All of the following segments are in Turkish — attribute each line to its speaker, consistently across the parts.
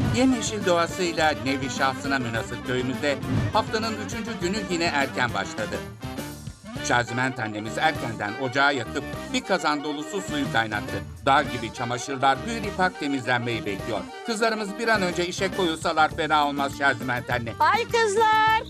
Speaker 1: Yemyeşil doğasıyla nevi şahsına münhasır köyümüzde haftanın 3. günü yine erken başladı. Şaziment annemiz erkenden ocağı yakıp bir kazan dolusu suyu kaynattı. Dağ gibi çamaşırlar pür ipak temizlenmeyi bekliyor. Kızlarımız bir an önce işe koyulsalar fena olmaz Şaziment anne.
Speaker 2: Ay kızlar.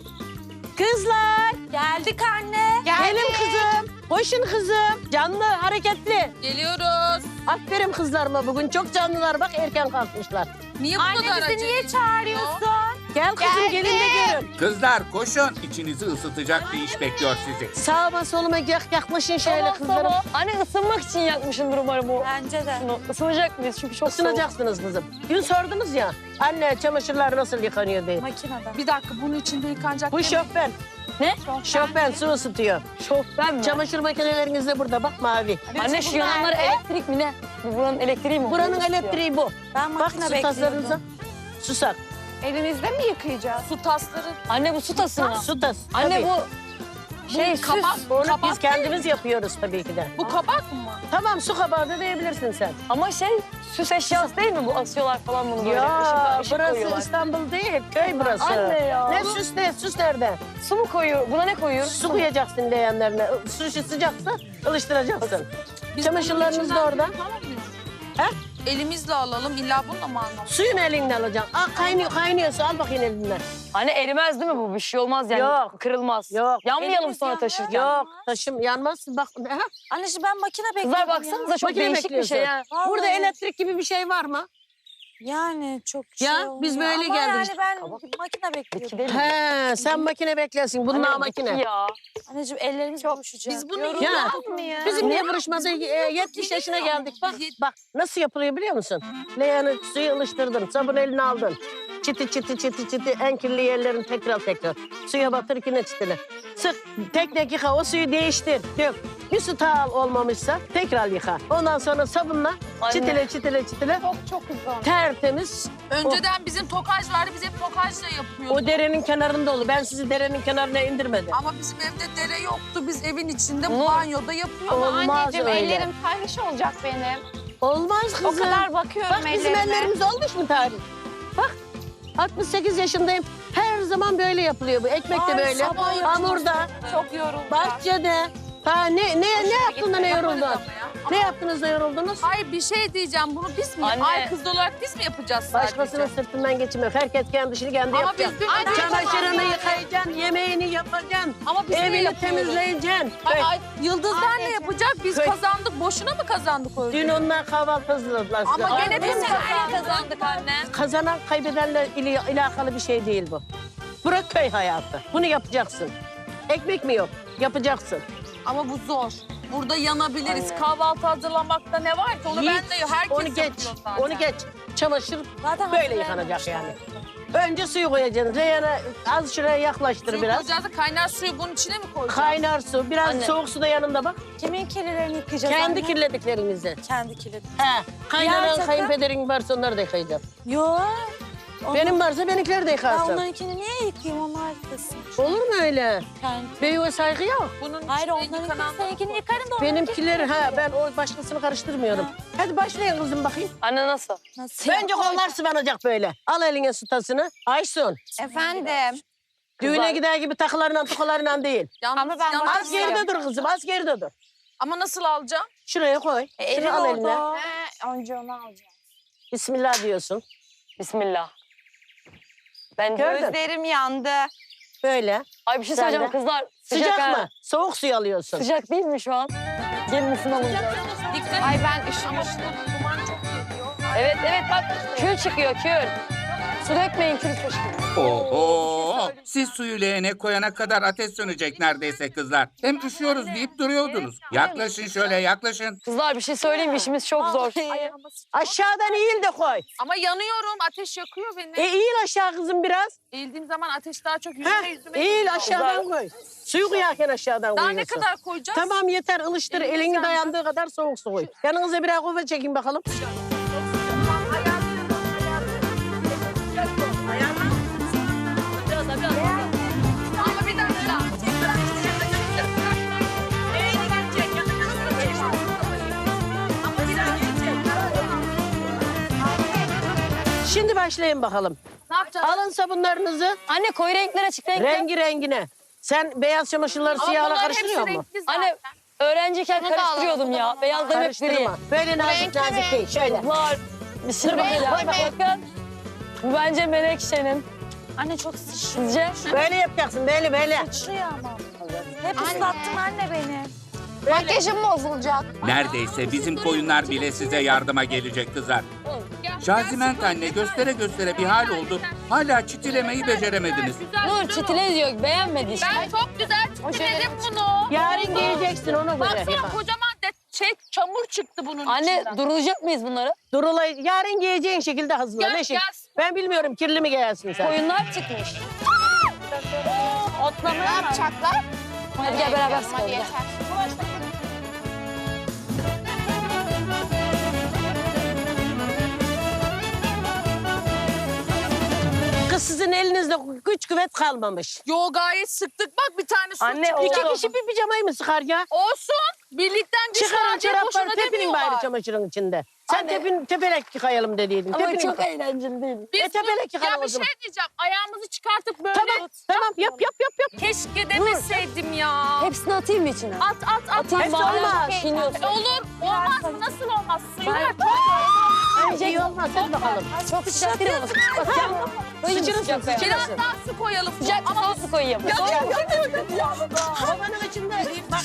Speaker 2: Kızlar.
Speaker 3: Geldik anne.
Speaker 2: Gelin kızım. Koşun kızım. Canlı, hareketli.
Speaker 3: Geliyoruz.
Speaker 2: Aferin kızlarıma bugün. Çok canlılar bak erken kalkmışlar.
Speaker 3: Niye bu
Speaker 4: Anne
Speaker 3: kadar
Speaker 4: bizi
Speaker 3: acele
Speaker 4: niye çağırıyorsun?
Speaker 2: Gel kızım gelin de görün.
Speaker 1: Kızlar koşun. İçinizi ısıtacak bir iş bekliyor sizi.
Speaker 2: Sağıma soluma yaklaşın şöyle kızlarım.
Speaker 5: Anne ısınmak için yakmışındır umarım bu.
Speaker 4: Bence de.
Speaker 5: Şunu ısınacak mıyız? Çünkü çok soğuk.
Speaker 2: Isınacaksınız kızım. Dün sordunuz ya. Anne çamaşırlar nasıl yıkanıyor diye.
Speaker 4: Makineden.
Speaker 3: Bir dakika bunun içinde yıkanacak.
Speaker 2: Bu şofben.
Speaker 5: Ne?
Speaker 2: Şofben su ısıtıyor.
Speaker 5: Şofben mi?
Speaker 2: Çamaşır makineleriniz de burada bak mavi.
Speaker 5: Anne şu yananlar elektrik mi ne? Buranın elektriği mi?
Speaker 2: Buranın elektriği bu.
Speaker 4: Ben
Speaker 2: Bak
Speaker 4: makine
Speaker 2: su taslarınıza.
Speaker 4: bekliyordum.
Speaker 2: Susak.
Speaker 4: Elinizde mi yıkayacağız?
Speaker 3: Su tasları.
Speaker 5: Anne bu su tası mı?
Speaker 2: Su tas.
Speaker 5: Anne
Speaker 2: tabii.
Speaker 5: bu şey süs.
Speaker 3: kabak.
Speaker 2: Onu
Speaker 3: kabak
Speaker 2: biz kendimiz yapıyoruz tabii ki de.
Speaker 3: Bu kabak mı?
Speaker 2: Tamam su kabağı da diyebilirsin sen.
Speaker 5: Ama şey süs eşyası değil mi bu? Asıyorlar falan bunu böyle.
Speaker 2: Ya
Speaker 5: Işık
Speaker 2: burası
Speaker 5: koyuyorlar.
Speaker 2: İstanbul değil, köy burası.
Speaker 5: Anne ya.
Speaker 2: Ne süs ne, süs nerede?
Speaker 5: Su mu koyuyor? Buna ne koyuyoruz?
Speaker 2: Su koyacaksın leğenlerine. Su sıcaksa ılıştıracaksın.
Speaker 3: Biz
Speaker 2: Çamaşırlarınız
Speaker 3: bunun
Speaker 2: da
Speaker 3: içinden
Speaker 2: orada.
Speaker 3: yıkamayız mı?
Speaker 2: He?
Speaker 3: Elimizle alalım. İlla bununla mı alalım?
Speaker 2: Suyun elinden alacaksın. Kaynıyor su al bakayım elinden.
Speaker 5: Anne erimez değil mi bu? Bir şey olmaz yani.
Speaker 2: Yok.
Speaker 5: Kırılmaz.
Speaker 2: Yok.
Speaker 5: Yanmayalım
Speaker 4: Elimiz
Speaker 5: sonra
Speaker 4: yanmıyor.
Speaker 5: taşırken.
Speaker 2: Yok taşım yanmazsın bak. Ha,
Speaker 4: Anne şimdi ben makine bekliyordum
Speaker 5: Kızlar baksanıza çok
Speaker 2: makine
Speaker 5: değişik bir şey
Speaker 2: bekliyorsun.
Speaker 5: ya.
Speaker 4: Vallahi.
Speaker 2: Burada elektrik gibi bir şey var mı?
Speaker 4: Yani çok
Speaker 2: Ya,
Speaker 4: şey
Speaker 2: biz
Speaker 4: olmuyor.
Speaker 2: böyle
Speaker 4: Ama
Speaker 2: geldik
Speaker 4: yani
Speaker 2: işte.
Speaker 4: ben
Speaker 5: Kabak.
Speaker 4: makine bekliyordum.
Speaker 5: Gidelim.
Speaker 2: He sen makine beklesin. Bunlar
Speaker 5: Anne,
Speaker 2: makine.
Speaker 5: Ya.
Speaker 4: Anneciğim ellerimiz buluşacak.
Speaker 3: Biz bunu
Speaker 4: Yorulduk
Speaker 2: Ya.
Speaker 4: mı ya?
Speaker 2: Bizim niye buruşmadı? 70 yaşına geldik. Bak nasıl yapılıyor biliyor musun? Leğeni suyu ılıştırdın, sabun eline aldın. Çiti en kirli yerlerini tekrar. Suya batır yine çitile. Sık tek yıka o suyu değiştir. Dök. Bir su tağ olmamışsa tekrar yıka. Ondan sonra sabunla
Speaker 5: Anne.
Speaker 2: çitile.
Speaker 4: Çok güzel.
Speaker 2: Tertemiz.
Speaker 3: Önceden bizim tokaj vardı. Biz hep tokajla yapıyorduk.
Speaker 2: O derenin kenarında olur. Ben sizi derenin kenarına indirmedim.
Speaker 3: Ama bizim evde dere yoktu. Biz evin içinde
Speaker 5: Ne?
Speaker 3: banyoda yapıyorduk.
Speaker 2: Olmaz öyle.
Speaker 4: tahriş olacak benim.
Speaker 2: Olmaz kızım.
Speaker 4: O kadar bakıyorum
Speaker 2: Bak bizim ellerimiz olmuş mu tarih? Bak 68 yaşındayım. Her zaman böyle yapılıyor bu. Ekmek de
Speaker 4: Ay,
Speaker 2: böyle.
Speaker 4: sabah yapacağız.
Speaker 2: Hamurda,
Speaker 4: Çok yoruldum.
Speaker 2: bahçede. Ha ne yaptın da ne yoruldun? Ne yaptınız da yoruldunuz?
Speaker 3: Hayır bir şey diyeceğim. Bunu biz mi?
Speaker 5: Anne.
Speaker 3: Ay kız olarak biz mi yapacağız sadece?
Speaker 2: Başkasının sırtından geçmek. Herkes kendi işini kendi
Speaker 3: Ama
Speaker 2: yapacak.
Speaker 3: biz dün
Speaker 2: Çamaşırını yıkayacaksın, yemeğini yapacaksın.
Speaker 3: Ama biz ne
Speaker 2: Evini
Speaker 3: yapıyoruz?
Speaker 2: temizleyeceksin.
Speaker 3: Ay, Yıldızlar ne yapacak? Biz
Speaker 2: Köy.
Speaker 3: kazandık. Boşuna mı kazandık o
Speaker 2: Dün
Speaker 3: ödülü?
Speaker 2: onlar kahvaltı hazırladılar size.
Speaker 3: Ama
Speaker 2: Ay,
Speaker 3: gene biz kazandık anne.
Speaker 2: kazanan kaybedenle alakalı bir şey değil bu. Bırak köy hayatı. Bunu yapacaksın. Ekmek mi yok? Yapacaksın.
Speaker 3: Ama bu zor. Burada yanabiliriz. Kahvaltı hazırlamakta ne var ki? Onu
Speaker 2: Yiğit,
Speaker 3: ben de herkes
Speaker 2: onu geç.
Speaker 3: yapıyor zaten.
Speaker 2: Onu geç. Çamaşır
Speaker 4: Zaten
Speaker 2: böyle yıkanacak yani. Önce suyu koyacaksın. Reyhan'a az şuraya yaklaştır
Speaker 3: Suyu
Speaker 2: biraz.
Speaker 3: koyacağız da kaynar suyu bunun içine mi koyacağız?
Speaker 2: Kaynar su, biraz
Speaker 5: Anne.
Speaker 2: soğuk su da yanında bak.
Speaker 4: Kimin kirlilerini yıkayacağız
Speaker 2: Kendi
Speaker 4: anne?
Speaker 2: kirlediklerinizi.
Speaker 4: Kendi kirli.
Speaker 2: He. Kaynanan
Speaker 4: takım?
Speaker 2: kayınpederin varsa onları da yıkayacağım.
Speaker 4: Yok.
Speaker 2: Benim varsa benimkileri de
Speaker 4: Ben
Speaker 2: yıkarsın.
Speaker 4: onlarınkini niye yıkayayım? Onlar yıkasın.
Speaker 2: Olur mu öyle?
Speaker 4: Kendi.
Speaker 2: Büyüğe saygı yok.
Speaker 3: Bunun
Speaker 4: Hayır
Speaker 3: içine
Speaker 4: onlarınkini
Speaker 3: yıkanan...
Speaker 4: seninkini yıkarım da onlarınki-
Speaker 2: Benimkiler ben o başkasını karıştırmıyorum. Hadi başlayın kızım bakayım.
Speaker 5: Anne nasıl?
Speaker 4: Nasıl?
Speaker 2: Bence kollar sıvanacak böyle. Al eline su tasını. Aysun.
Speaker 4: Efendim.
Speaker 2: Düğüne gider gibi takılarla tukalarla değil.
Speaker 3: Yalnız,
Speaker 4: Ama ben
Speaker 3: yalnız-
Speaker 2: Az geride dur kızım, az geride dur.
Speaker 3: Ama nasıl alacağım?
Speaker 2: Şuraya koy.
Speaker 4: Elim
Speaker 2: Şunu al eline.
Speaker 4: orada. Önce onu alacağım.
Speaker 2: Bismillah diyorsun.
Speaker 5: Bismillah. Ben
Speaker 2: Gördün.
Speaker 4: Gözlerim yandı.
Speaker 2: Böyle.
Speaker 5: Ay bir şey
Speaker 2: Sen
Speaker 5: söyleyeceğim
Speaker 2: de.
Speaker 5: kızlar.
Speaker 2: Sıcak
Speaker 5: ha.
Speaker 2: mı? Soğuk suyu alıyorsun.
Speaker 5: Sıcak değil mi şu an? Gelin ısınalım.
Speaker 3: Dikkat
Speaker 4: Ay
Speaker 3: et.
Speaker 4: ben üşümüştüm.
Speaker 3: Duman çok geliyor.
Speaker 5: Evet bak kül çıkıyor kül. Su dökmeyin kül fışkırıyor.
Speaker 1: Oho! Siz suyu leğene koyana kadar ateş sönecek neredeyse kızlar. Hem üşüyoruz deyip duruyordunuz. Yaklaşın şöyle yaklaşın.
Speaker 5: Kızlar bir şey söyleyeyim mi? İşimiz çok zor.
Speaker 2: Aşağıdan eğil de koy.
Speaker 3: Ama yanıyorum. Ateş yakıyor beni.
Speaker 2: Eğil aşağı kızım biraz.
Speaker 3: Eğildiğim zaman ateş daha çok
Speaker 2: Heh,
Speaker 3: yüzüme
Speaker 2: eğil
Speaker 3: geliyor.
Speaker 2: aşağıdan koy. Suyu koyarken aşağıdan
Speaker 3: Daha
Speaker 2: koyuyorsun.
Speaker 3: ne kadar koyacağız?
Speaker 2: Tamam yeter ılıştır.
Speaker 3: Elini
Speaker 2: Elini
Speaker 3: sen-
Speaker 2: dayandığı kadar soğuk su koy. Yanınıza birer kova çekin bakalım.
Speaker 3: Ama bir dakika.
Speaker 2: Şimdi başlayın bakalım.
Speaker 3: Ne yapacağız?
Speaker 2: Alın sabunlarınızı
Speaker 5: Anne koyu renkler açık renkler.
Speaker 2: rengi rengine. Sen beyaz çamaşırları siyahla karıştırıyor musun?
Speaker 5: Anne öğrenciyken
Speaker 4: Bunu da
Speaker 5: karıştırıyordum ya. Beyazlarım hep gri.
Speaker 2: Karıştırma. Böyle nazik nazik değil. Şöyle.
Speaker 5: Var. Bismillah. Bakın. Bu bence Menekşe'nin.
Speaker 3: Anne çok
Speaker 5: Sizce?
Speaker 2: Böyle yapacaksın. Böyle.
Speaker 3: sıçrıyor ama. Hep ıslattın anne beni.
Speaker 4: Makyajım bozulacak.
Speaker 1: Neredeyse bizim koyunlar bile size yardıma gelecek kızlar. Şaziment anne göstere göstere bir hal oldu. Hala çitilemeyi beceremediniz.
Speaker 5: Nur çitile diyor. Beğenmedi işte.
Speaker 3: Ben çok güzel çitiledim bunu.
Speaker 2: Yarın giyeceksin ona göre.
Speaker 3: Baksana kocaman çamur çıktı bunun
Speaker 5: Anne
Speaker 3: içinden.
Speaker 5: durulacak mıyız bunları?
Speaker 2: Durulay. Yarın giyeceğin şekilde hazırla.
Speaker 3: Gel,
Speaker 2: Ne şey?
Speaker 3: gel.
Speaker 2: Ben bilmiyorum kirli mi giyersin sen?
Speaker 5: Koyunlar çıkmış.
Speaker 4: Ne yapacaklar?
Speaker 5: Hadi gel beraber sıkalım.
Speaker 4: Hadi
Speaker 5: gel.
Speaker 4: yeter.
Speaker 2: Kız sizin elinizde güç kuvvet kalmamış.
Speaker 3: Yo gayet sıktık bak bir tane su
Speaker 5: Anne,
Speaker 3: çıktı.
Speaker 2: İki kişi bir pijamayı mı sıkar ya?
Speaker 3: Olsun. Birlikten güç
Speaker 2: Çıkarın
Speaker 3: verecek
Speaker 2: çorapları
Speaker 3: boşuna
Speaker 2: tepinin
Speaker 3: demiyorlar.
Speaker 2: bari çamaşırın içinde. Sen
Speaker 5: Anne.
Speaker 2: tepelek yıkayalım dediydin.
Speaker 5: Ama
Speaker 2: Tepinin
Speaker 5: çok
Speaker 2: yıka.
Speaker 5: eğlenceli değil.
Speaker 3: Biz
Speaker 2: tepelek yıkalım
Speaker 3: ya
Speaker 2: o
Speaker 3: bir
Speaker 2: zaman.
Speaker 3: şey diyeceğim. Ayağımızı çıkartıp böyle.
Speaker 2: Tamam yap.
Speaker 3: Keşke demeseydim ya.
Speaker 5: Hepsini atayım mı içine?
Speaker 3: At.
Speaker 5: Atayım
Speaker 2: Hepsi
Speaker 5: bari.
Speaker 2: olmaz.
Speaker 5: Çiğniyorsun.
Speaker 3: Olur. Olmaz mı? Nasıl olmaz? Suyu ver.
Speaker 2: Ay iyi olmaz hadi bakalım.
Speaker 5: Çok sıcak değil mi? Bakacağım.
Speaker 2: Sıçırırsın
Speaker 5: Sıcak be.
Speaker 3: Biraz
Speaker 2: sıçırırsın.
Speaker 3: daha su koyalım.
Speaker 5: Sıcak ama su koyayım.
Speaker 2: Havanın içinde. Bak.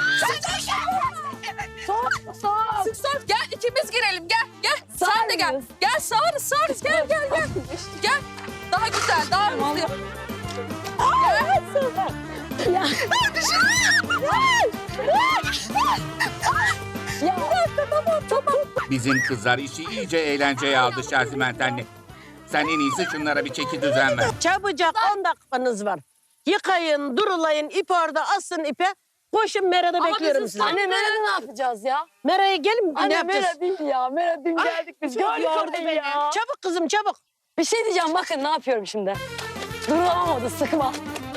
Speaker 3: Sık. Gel ikimiz girelim. Gel. Sen de gel.
Speaker 5: mıyız?
Speaker 3: Gel sağırız. Gel. Gel. Daha güzel. Daha hızlı.
Speaker 1: Bizim kızlar işi iyice eğlenceye aldı Şaziment anne. Sen en iyisi şunlara bir çeki düzen ver.
Speaker 2: Çabucak 10 dakikanız var. Yıkayın, durulayın, ip orada asın ipe. Koşun Mera'da bekliyorum
Speaker 3: biz
Speaker 2: sizi.
Speaker 5: Anne Mera'da ne yapacağız ya?
Speaker 2: Mera'ya gelin ne
Speaker 5: Anne
Speaker 2: yapacağız?
Speaker 5: Mera değil ya. Mera dün geldik biz.
Speaker 2: çok
Speaker 5: Gördük
Speaker 2: yordu
Speaker 5: orayı
Speaker 2: beni.
Speaker 5: ya.
Speaker 2: Çabuk kızım çabuk.
Speaker 5: Bir şey diyeceğim bakın ne yapıyorum şimdi. Durulamamadı sıkma.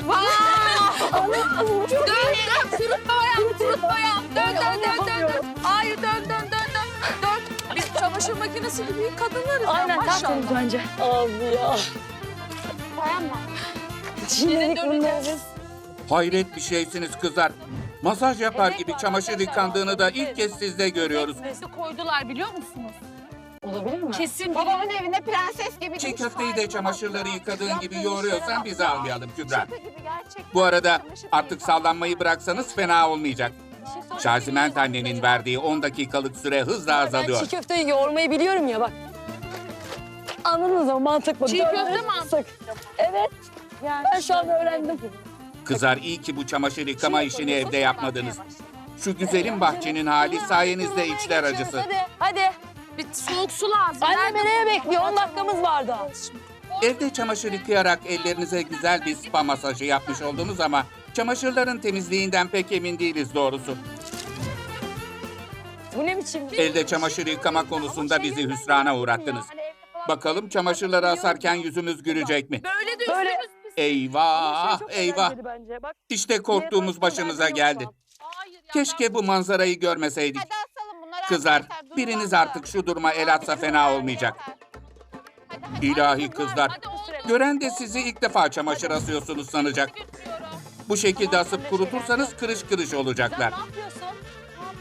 Speaker 3: Dön. Kurutma ayağım. Dön. Hayır dön. Biz çamaşır makinesi gibi kadınlarız. ya,
Speaker 5: Aynen
Speaker 3: maşallah.
Speaker 5: tertemiz bence. Abi ya.
Speaker 4: Dayanma.
Speaker 5: Çiğnedik bunları biz.
Speaker 1: Hayret bir şeysiniz kızlar. Masaj yapar gibi çamaşır yıkandığını da ilk kez sizde görüyoruz.
Speaker 3: Nesi koydular biliyor musunuz?
Speaker 5: Olabilir mi?
Speaker 3: Kesin
Speaker 4: Babamın evinde prenses gibi.
Speaker 1: Çiğ köfteyi de çamaşırları yıkadığın gibi yoğuruyorsan bizi almayalım Kübra.
Speaker 4: Şaka gibi gerçekten.
Speaker 1: Bu arada artık sallanmayı bıraksanız fena olmayacak. Şaziment annenin verdiği 10 dakikalık süre hızla
Speaker 5: Ben
Speaker 1: azalıyor.
Speaker 5: çiğ köfteyi yoğurmayı biliyorum ya bak. Anladınız mı? Mantık bu.
Speaker 3: Çiğ köfte mantık.
Speaker 5: Evet. Ben şu an öğrendim.
Speaker 1: Kızlar iyi ki bu çamaşır yıkama işini evde yapmadınız. Şu güzelim bahçenin hali sayenizde içler acısı.
Speaker 5: Hadi.
Speaker 3: Bir soğuk su lazım.
Speaker 5: Anne
Speaker 3: Nerede
Speaker 5: nereye
Speaker 3: bu?
Speaker 5: bekliyor? 10 dakikamız vardı.
Speaker 1: Evde çamaşır yıkayarak ellerinize güzel bir spa masajı yapmış oldunuz ama çamaşırların temizliğinden pek emin değiliz doğrusu.
Speaker 5: Bu ne biçim?
Speaker 1: Elde çamaşır yıkama konusunda bizi hüsrana uğrattınız. Bakalım çamaşırları asarken yüzümüz gülecek mi?
Speaker 3: Böyle de
Speaker 5: Böyle-
Speaker 3: üstümüz pis.
Speaker 1: Eyvah, eyvah. İşte korktuğumuz başımıza geldi.
Speaker 3: Hayır ya.
Speaker 1: Keşke bu manzarayı görmeseydik.
Speaker 4: Hadi asalım bunları.
Speaker 1: Kızlar,
Speaker 4: arkadaşlar, durun
Speaker 1: biriniz
Speaker 4: bakalım.
Speaker 1: artık şu duruma el atsa fena olmayacak.
Speaker 4: Hadi.
Speaker 1: İlahi kızlar.
Speaker 3: Hadi oğlum.
Speaker 1: Gören de sizi ilk defa çamaşır asıyorsunuz sanacak.
Speaker 3: Götürüyorum.
Speaker 1: Bu şekilde asıp kurutursanız kırış kırış olacaklar.
Speaker 3: Ne yapıyorsun?